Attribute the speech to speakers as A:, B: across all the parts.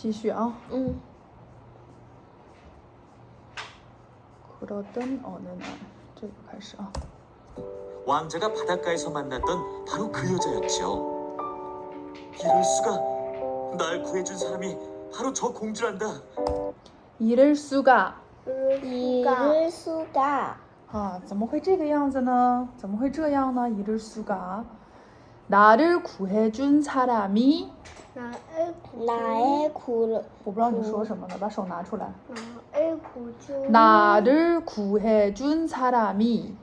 A: 继续啊。 그러던 어느 날, 这个开始啊。
B: 왕자가 바닷가에서 만났던 바로 그 여자였죠. 이럴 수가. 날 구해준 사람이 바로 저 공주란다.
A: 이럴 수가.
C: 이럴 수가.
A: 啊，怎么会这个样子呢？怎么会这样呢？이럴 수가. 나를 구해준 사람이.
C: 나의 구.
A: 我不知道你说什么呢，把手拿出来。
C: 나의
A: 나를 구해준 사람이.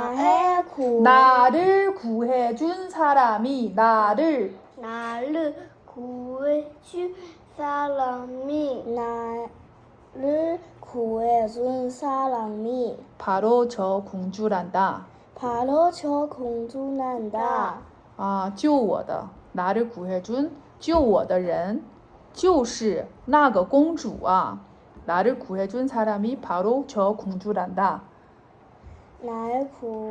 C: 나를
A: 구해준 사람이. 나를
C: 구해준 사람이. 나를 구해준 사람이.
A: 바로 저 공주란다.
C: 바로 저 공주란다.
A: 啊，救我的，나를 구해준 救我的人，就是那个公主啊。나를 구해준 사람이 바로 저 공주란다. 나를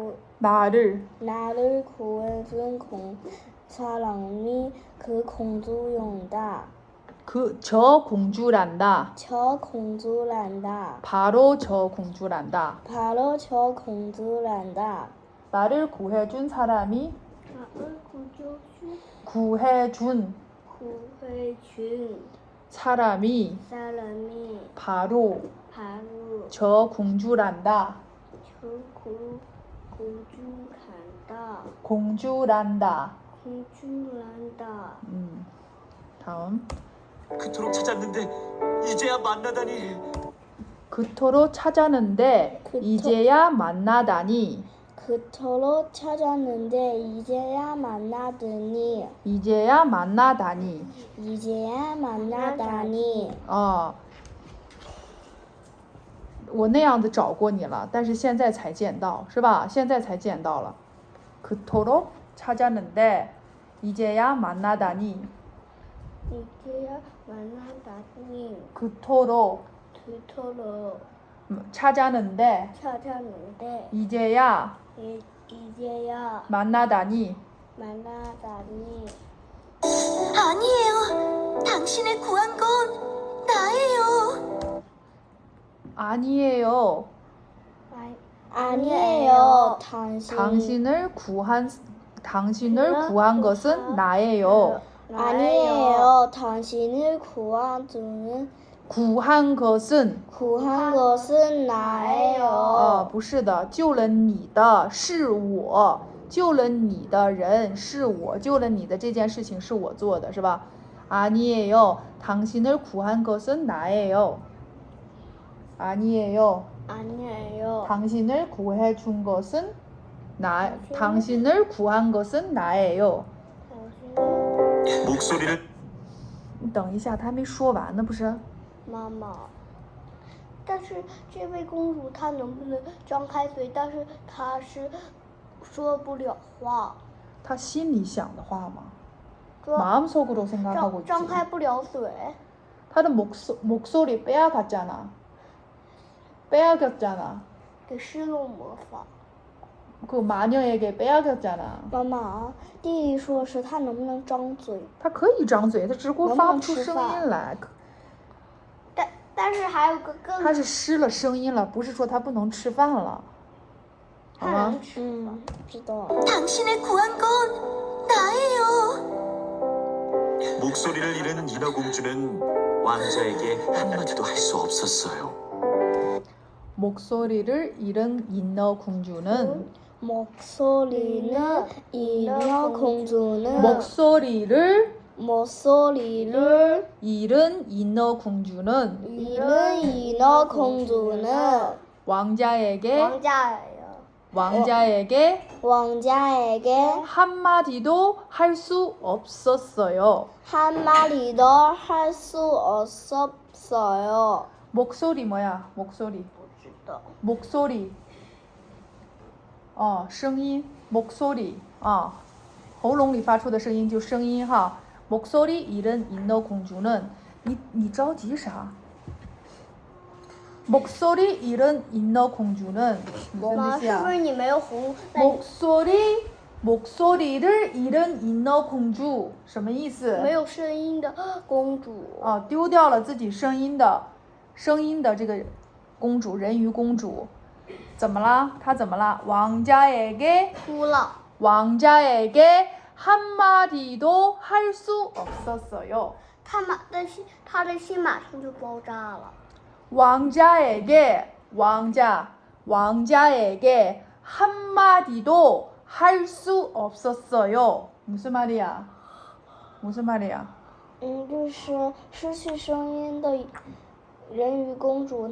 C: 구해준 사람이 그 공주였다.
A: 저 공주란다.
C: 저 공주란다.
A: 바로 저 공주란다.
C: 바로 저 공주란다.
A: 나를 구해준 사람이 구해준 사람이 바로 저 공주란다. 공주란다. 다음.
B: 그토록 찾았는데 이제야 만나다니.
A: 그토록 찾았는데 이제야 만나다니.
C: 그토록 찾았는데 이제야 만나다니.
A: 이제야 만나다니.
C: 이제야 만나다니.
A: 我那样子找过你了，但是现在才见到，是吧？现在才见到了。그토록 찾았는데 이제야 만나다니.
C: 이제야 만나다니.
A: 그토록 찾았는데 이제야 만나다니.
D: 아니에요. 당신을 구한 건 나예요.
A: 아니에요.
C: 아니에요.
A: 당신을 구한 것은 나예요.
C: 아니에요. 당신을 구한 것은 나예요.
A: 不是的，救了你的是我，救了你的人是我，救了你的这件事情是我做的，是吧？ 아니에요. 당신을 구한 것은 나예요. 아니에요. 당신을 구해준 것은 당신을 구한 것은 나예요.
B: 목소리를
A: 你等一下，他还没说完呢，不是？
C: 妈妈，但是这位公主她能不能张开嘴？但是她是说不了话。
A: 他心里想的话吗？ 마음속으로 생각하고 있지.
C: 张开不了嘴。
A: 他的 목소리 빼앗겼잖아.
C: 给施用魔法。
A: 그 마녀에게 빼앗겼잖아.
C: 妈妈，弟弟说是他能不能张嘴？
A: 他可以张嘴，他只不过发不出声音来。
C: 但是还有个更……
A: 他是失了声音了，不是说他不能吃饭了，好吗？
C: 知道。
D: 당신을 구한 건 나예요.
B: 목소리를 잃은 인어공주는 왕자에게 한마디도 할 수 없었어요.
A: 목소리를 잃은 인어공주는
C: 목소리를 잃은 공주는
A: 목소리를 잃은 인어공주는 왕자에게 한마디도 할 수 없었어요.
C: 한마디도 할 수 없었어요.
A: 목소리 뭐야? 목소리. 声音 목소리 喉咙里发出的声音就声音哈。 목소리 잃은 인어공주는 你着急啥？ 목소리 잃은 인어공주는 무슨 뜻이야?
C: 목소리
A: 목소리를 잃은 인어 공주什么意思？
C: 没有声音的公主。
A: 丢掉了自己声音的这个公主，人鱼公主，怎么啦？她怎么啦？왕자에게
C: 哭了。
A: 왕자에게 한마디도 할 수 없었어요.
C: 他的心马上就爆炸了。
A: 왕자에게 한마디도 할 수 없었어요. 무슨 말이야? 무슨 말이야?
C: 就是失去声音的人鱼公主，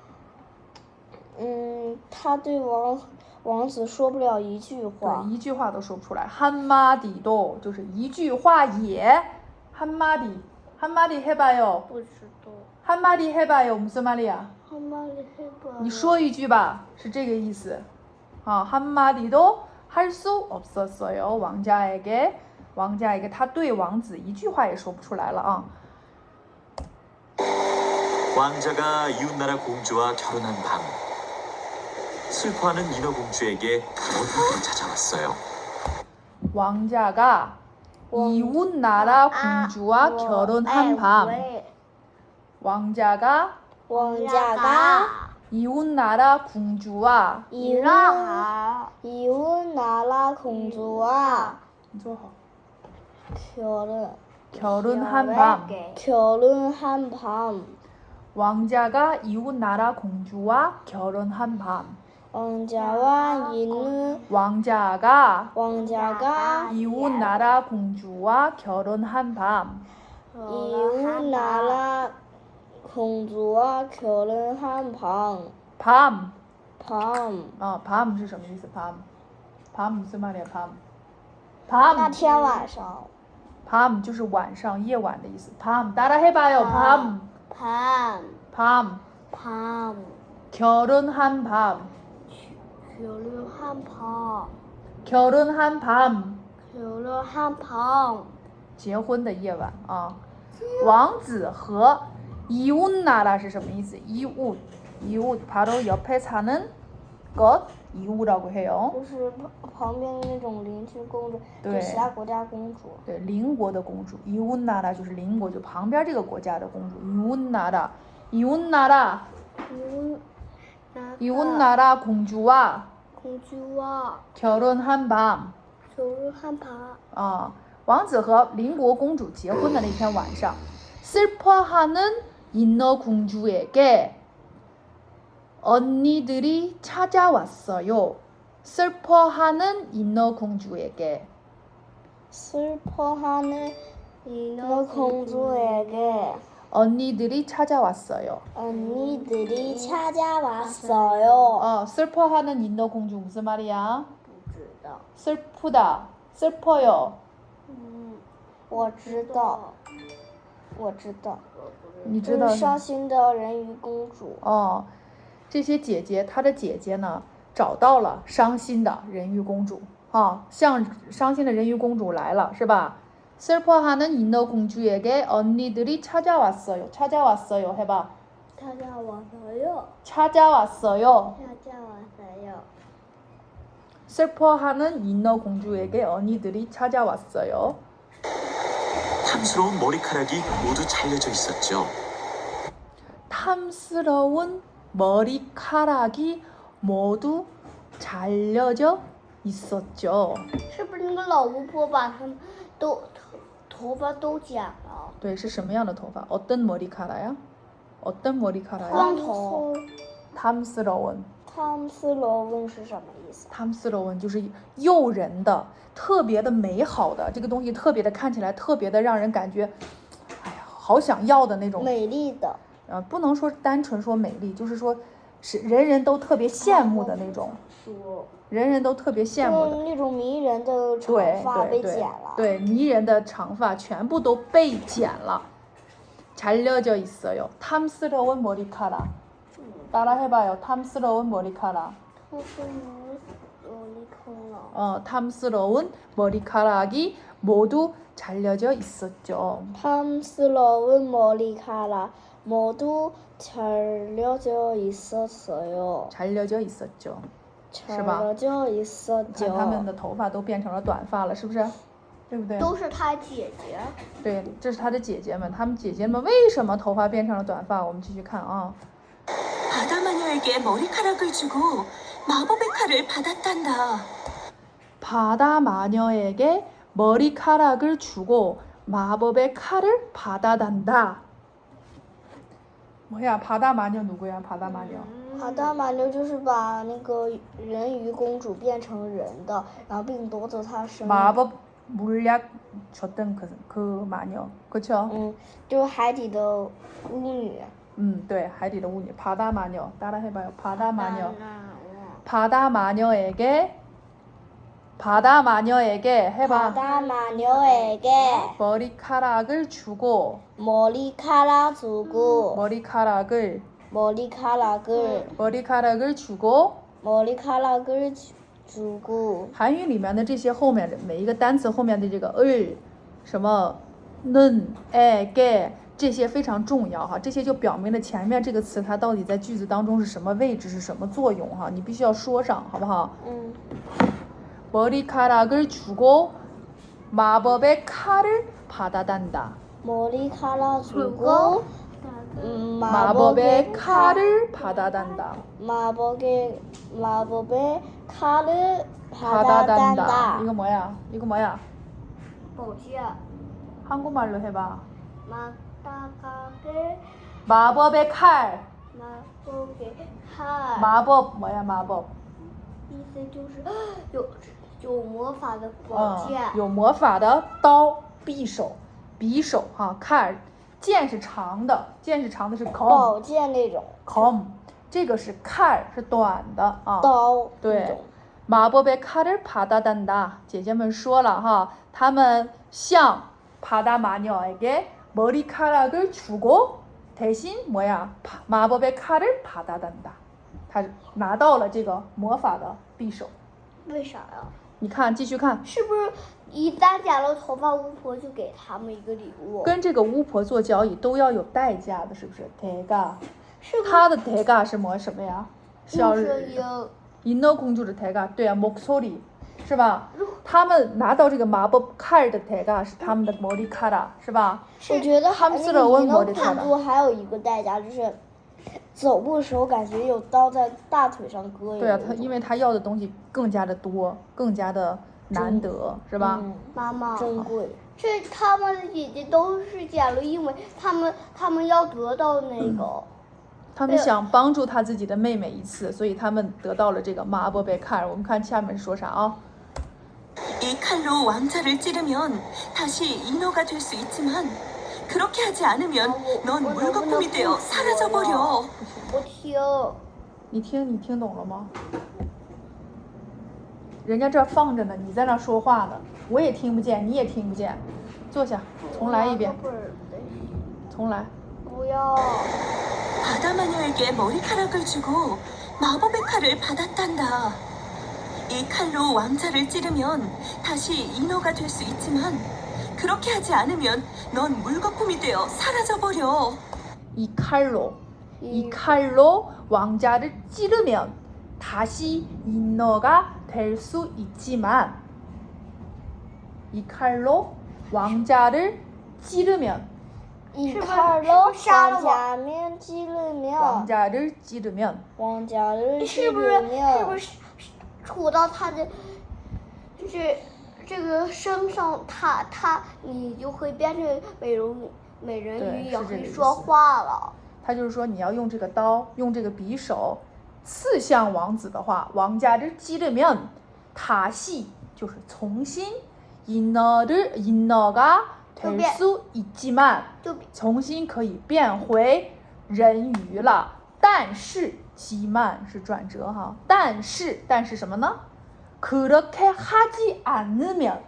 C: 她对王子说不了一句话。
A: 对，一句话都说不出来。한마디도就是一句话也。한마디 해봐요.
C: 不知道。
A: 한마디 해봐요. 무슨 말이야?
C: 한마디 해봐요.
A: 你说一句吧，是这个意思。한마디도 할 수 없었어요. 왕자에게 他对王子一句话也说不出来了啊。
B: 왕자가 이웃나라 공주와 결혼한 밤 슬퍼하는 인어공주에게 어둠이 찾아왔어요.
A: 왕자가 이웃나라 공주와 결혼한 밤 왕자가 이웃나라 공주와
C: 이웃나라 공주와
A: 你坐好
C: 결혼한 밤
A: 왕자가 이웃나라 공주와 결혼한 밤
C: 왕자가
A: 이웃나라 공주와 결혼한 밤
C: 이웃나라 공주와 결혼한
A: 밤
C: 밤
A: 是什么意思？밤 무슨 말이야？
C: 那天晚上
A: 밤就是晚上夜晚的意思。밤 따라해봐요. 밤 결혼한 밤 결혼한 밤 结婚的夜晚啊。王子和이웃나라是什么意思？이웃 바로 옆에 사는 것 이웃이라고 해요.
C: 就是旁边的那种邻居公主，
A: 对
C: 就其他国家公主。
A: 对，邻国的公主。이웃나라就是邻国，就旁边这个国家的公主。이웃나라 공주와 결혼한 밤王子和邻国公主结婚的那天晚上 슬퍼하는 인어공주에게 언니들이 찾아왔어요. 슬퍼하는 인어공주에게 언니들이 찾아왔어요. 슬퍼하는 인어공주 무슨 말이야? 슬프다, 슬퍼요.
C: 我知道。
A: 你知道
C: 伤心的人鱼公主。
A: 这些姐姐，她的姐姐呢，找到了伤心的人鱼公主像伤心的人鱼公主来了，是吧？ 슬퍼하는 인어공주에게 언니들이 찾아왔어요. 찾아왔어요. 해봐. 찾아왔어요. 슬퍼하는 인어공주에게 언니들이 찾아왔어요.
B: 탐스러운 머리카락이 모두 잘려져 있었죠.
A: 탐스러운 머리카락이 모두 잘려져 있었죠.
C: 是不是那个老巫婆把他们头发都剪了？
A: 对，是什么样的头发？어떤 머리카락야? 어떤 머리카락야?
C: 光头。
A: 탐스러운
C: 是什么意思？
A: 탐스러운就是诱人的、特别的美好的，这个东西特别的看起来特别的让人感觉，哎呀，好想要的那种。
C: 美丽的。
A: 不能说单纯说美丽，就是说是人人都特别羡慕的那种。人人都特别羡慕的
C: 那种迷人的长发被剪了。
A: 对，迷人的长发全部都被剪了。잘려져 있어요. 탐스러운 머리카락. 따라해봐요. 탐스러운 머리카락. 탐스러운 머리카락이 모두 잘려져 있었죠.
C: 탐스러운 머리카락 모두 잘려져 있었어요.
A: 잘려져 있었죠. 是吧？
C: 절어져
A: 看
C: 있었죠.
A: 他们的头发都变成了短发了，是不是？对不对？
C: 都是他姐姐。
A: 对，这是他的姐姐们，他们姐姐们为什么头发变成了短发？我们继续看啊。
D: 바다 마녀에게 머리카락을 주고 마법의 칼을 받았단다.
A: 바다 마녀에게 머리카락을 주고 마법의 칼을 받아단다. 뭐야? 바다 마녀 누구야? 바다 마녀.
C: 好的马妞就是把那个人鱼公主变成人的，然后并夺走她生命。
A: 마법 물약 줬던 그 마녀. 그렇죠?
C: 就是海底的巫女。
A: 네, 海底的巫女. 바다 마녀. 따라해봐요. 바다 마녀. 바다 마녀에게 해봐.
C: 바다 마녀에게
A: 머리카락을 주고
C: 머리카락 주고
A: 머리카락을 주고
C: 머리카락을 주고
A: 韩语里面的这些后面的每一个单词后面的这个什么는 게这些非常重要哈，这些就表明了前面这个词它到底在句子当中是什么位置，是什么作用哈，你必须要说上，好不好？ 머리카락을 주고 마법의 칼을 받아단다.
C: 머리카락 주고
A: 마법의 칼을 받아단다.
C: 마법의 칼을
A: 받아단다.
C: 받아단다.
A: 이거 뭐야? 이거 뭐야?
C: 宝剑
A: 한국말로 해봐.
C: 마법의
A: 마법의 칼.
C: 칼
A: 마법 뭐야? 마법.
C: 意思就是有魔法的宝剑。
A: 有魔法的刀、匕首哈，칼。剑是长的，是
C: 宝
A: 검，
C: 剑那种
A: 검。这个是칼，是短的啊。
C: 刀。
A: 对。마법의 칼을 받아단다。姐姐们说了哈，他们向바다 마녀에게 머리카락을 주고 대신 뭐야? 마법의 칼을 받아단다。他拿到了这个魔法的匕首。
C: 为啥呀？
A: 你看，继续看。
C: 是不是一旦剪了头发，巫婆就给他们一个礼物？
A: 跟这个巫婆做交易都要有代价的，是不是？대가。
C: 是不是？
A: 他的대가是什么呀？是要
C: 인어
A: 公主的대가，对啊，목소리，是吧？他们拿到这个마법 칼的대가是他们的머리카락，是吧？
C: 我觉得那个인어公
A: 머리카락。
C: 主还有一个代价，就是走步的时候感觉有刀在大腿上割一样。
A: 对啊，因为他要的东西更加的多，更加的难得，是吧？
C: 妈妈，珍贵。这他们的姐姐都是捡了，因为他们要得到那个。
A: 他们想帮助他自己的妹妹一次，所以他们得到了这个마법의 칼。 我们看下面说啥啊？
D: 이 칼로 왕자를 찌르면 다시 인어가 될 수 있지만 그렇게 하지 않으면 넌 물거품이 되어 사라져버려.
C: 我听。
A: 你听懂了吗？人家这放着呢，你在那说话呢，我也听不见，你也听不见。坐下，重来一遍。重来。
C: 不要。
D: 바다 마녀에게 머리카락을 주고 마법의 칼을 받았단다. 이 칼로 왕자를 찌르면 다시 인어가 될 수 있지만 그렇게 하지 않으면 넌 물거품이 되어 사라져버려.
A: 이 칼로 왕자를 찌르면 다시 인어가 될 수 있지만 이 칼로 왕자를 찌르면
C: 이 칼로 왕자를 찌르면 是不是杵到他的，就是这个身上，你就会变成美人鱼，也会说话了。
A: 他就是说，你要用这个刀，用这个匕首刺向王子的话，王家的찌르면 다시就是重新인어가 될 수 있지만重新可以变回人鱼了。但是기만是转折哈，但是什么呢？그렇게 하지 않으면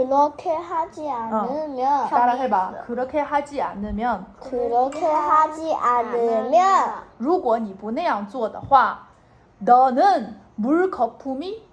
A: 따라해봐. 그렇게 하지 않으면 如果你不那样做的话 너는 물거품이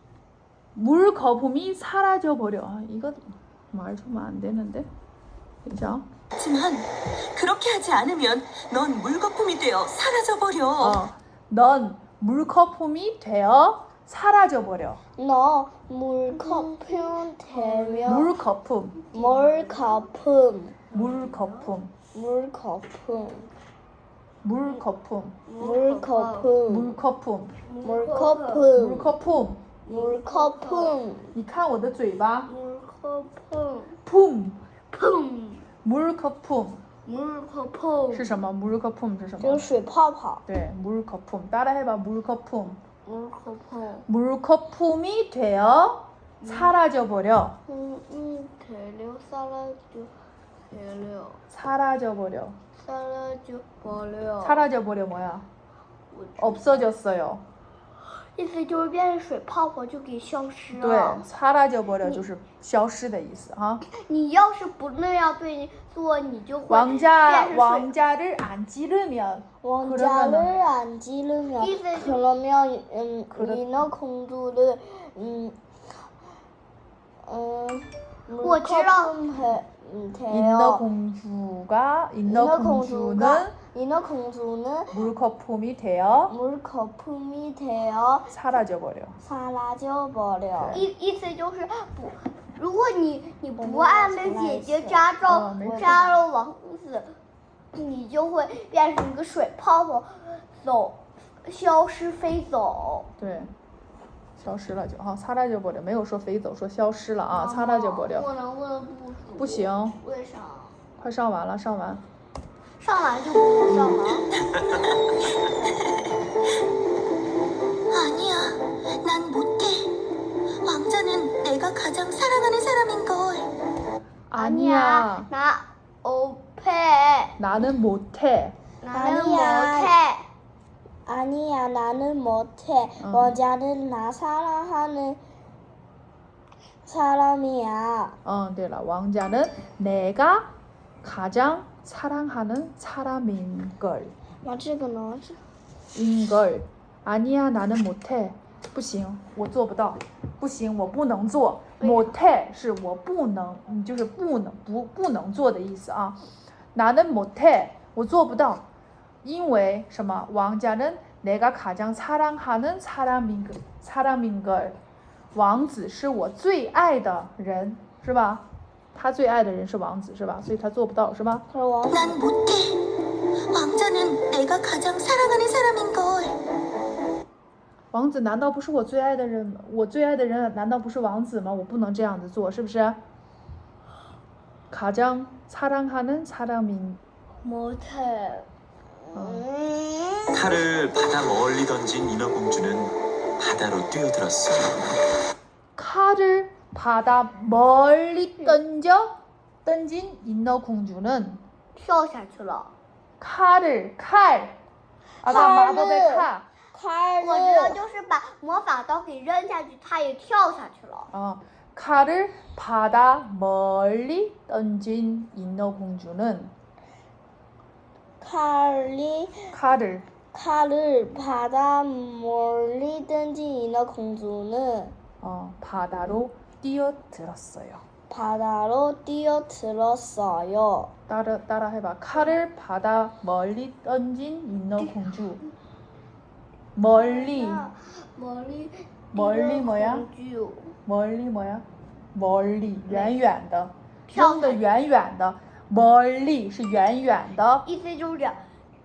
A: 사라져 버려. 이거 말 좀 안 되는데. 그죠?
D: 하지만 그렇게 하지 않으면 넌 물거품이 되어 사라져버려.
A: 넌 물거품이 되어 사라져버려.
C: 너 물거품 되면
A: 물거품.
C: 물거품
A: 물거품.
C: 물거품
A: 물거품.
C: 물거품
A: 물거품.
C: 물거품
A: 물거품.
C: 물거품
A: 你看我的嘴巴
C: 물거품
A: 품
C: 품
A: 물거품
C: 물거품
A: 是什么 물거품 是什么
C: 就是水泡泡
A: 对 물거품 따라해봐 물거품
C: 물거품
A: 물거품이 되어 사라져버려
C: 되려 사라져 되려
A: 사라져버려
C: 사라져 버려
A: 사라져버려 뭐야 없어졌어요
C: 意思就是变成水泡泡就给消失
A: 对
C: 了。
A: 사라져버려 就是消失的意思哈
C: 你要是不那样对你做，你就会
A: 왕자
C: 变成水。
A: 왕자를 안 찌르면
C: 왕자를
A: 그러면은-
C: 안 찌르면
A: 이제-
C: 그러면
A: 그렇-
C: 인어 공주를
A: 인어
C: 돼요.
A: 공주가 인어 공주는
C: 인어 공주는
A: 물거품이 되어
C: 물거품이 되어
A: 사라져버려.
C: 사라져 버려.
A: 对
C: 思就是不，如果你不按着姐姐扎
A: 没事
C: 扎了王子，你就会变成一个水泡泡，消失飞走。
A: 对，消失了就好，사라져버려没有说飞走，说消失了啊，사라져버려。
C: 我能不能不数？
A: 不行，
C: 为啥？
A: 快上完了，上完。
C: 上完就不能上完。
D: 아니야, 난 못해. 왕자는 내가 가장 사랑하는 사람인걸.
A: 아니야,
C: 나 못해.
A: 나는 못해.
C: 나는
E: 아니야.
C: 못해.
E: 아니야, 나는 못해. 왕자는 나 사랑하는 사람이야.
A: 对了， 왕자는 내가 가장 사랑하는 사람인 걸.
E: 那这个呢？
A: 인걸. 아니야, 나는 못해. 不行，我做不到。不行，我不能做。못해 是我不能，就是不能做的意思啊。나는 못해，我做不到。因为什么？ 왕자는 내가 가장 사랑하는 사람인 걸。 王子是我最爱的人，是吧？他最爱的人是王子，是吧？所以他做不到，是吧？
D: 난 못해. 왕자는 내가 가장 사랑하는 사람인걸.
A: 王子难道不是我最爱的人吗？我最爱的人难道不是王子吗？我不能这样子做，是不是？ 가장 사랑하는 사람인
C: 못해.
B: 칼을 바다 멀리 던진 인어공주는 바다로 뛰어들었어요.
A: 칼을 바다 멀리 던진 인어공주는
C: 跳下去了。
A: 칼 아까 마법의 칼
C: 我知道，就是把魔法刀给扔下去，他也跳下去了。
A: 칼을 바다 멀리 던진 인어공주는
E: 칼을 바다 멀리 던진 인어 공주는
A: 바다로 뛰어들었어요.
E: 바다로 뛰어들었어요.
A: 따라 해봐. 칼을 바다 멀리 던진 인어공주. 멀리 뭐야? 멀리 뭐야? 멀리 远远的扔的远远的 멀리 是远远的
C: 意思就是这。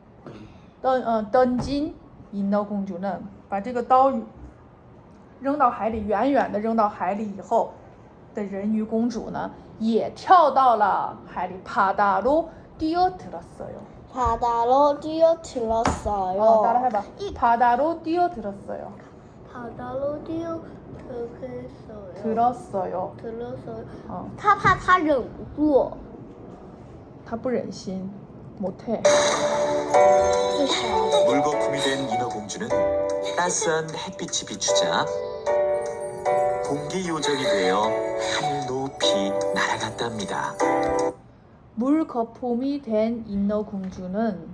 A: 던진 인어공주는 把这个刀扔到海里，远远的扔到海里以后的人鱼公主呢，也跳到了海里。바다로 뛰어들었어요.
E: 바다로 뛰어들었어요.
A: 따라해봐. 바다로 뛰어들었어요.
C: 바다로
A: 들었어요.
C: 들었어요. 他怕他忍不住。
A: 他不忍心，못해.
B: 물거품이 된 인어공주는 따스한 햇빛이 비추자 공기 요정이 되어 하늘 높이 날아갔답니다.
A: 물거품이 된 인어공주는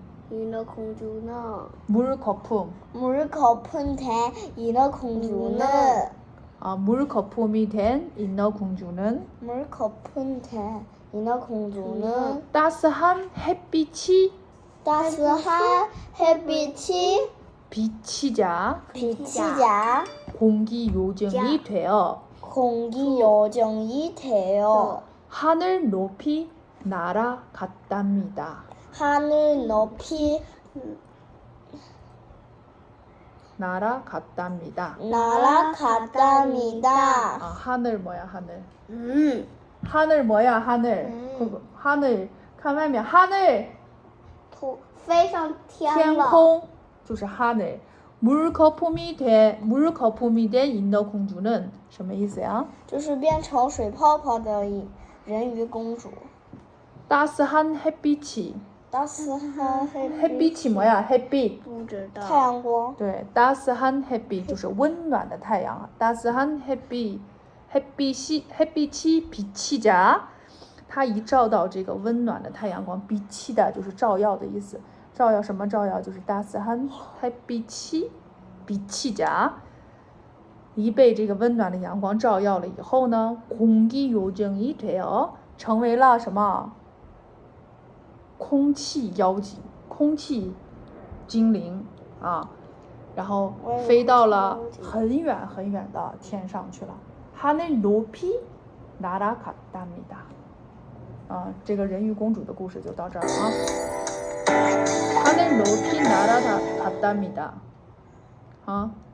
A: 물거품.
E: 물거품 된 인어 공주는
A: 물거품이 된 인어공주는
E: 물거품 된 인어 공주는
A: 따스한 햇빛이
E: 따스한 햇빛이
A: 비치자
E: 비치자
A: 공기 요정이 되어
E: 공기 요정이 되어
A: 하늘 높이 날아갔답니다.
E: 하늘 높이
A: 날아갔답니다.
E: 날아갔답니다.
A: 아, 하늘 뭐야 하늘?
C: 嗯
A: 하늘 뭐야 하늘? 그거 하늘 看外面 하늘
C: 飞上天了。
A: 天空就是하늘. 물 거품이 된 인어 공주는 什么意思呀？
E: 就是变成水泡泡的人鱼公主。
A: 따스한 햇빛이
E: 大斯汉
A: 햇빛이 뭐야? 햇빛.
C: 不知道。
E: 太阳光。
A: 对，따스한 햇빛就是温暖的太阳。따스한 햇빛이 비치자，它一照到这个温暖的太阳光，비치다就是照耀的意思。照耀什么照耀？就是 따스한 햇빛이 비치자，一被这个温暖的阳光照耀了以后呢，공기 요정이 되어成为了什么？空气妖精，空气精灵啊，然后飞到了很远很远的天上去了。하늘 높이 날아갔답니다。啊，这个人鱼公主的故事就到这儿了啊。하늘 높이 날아갔답니다。啊。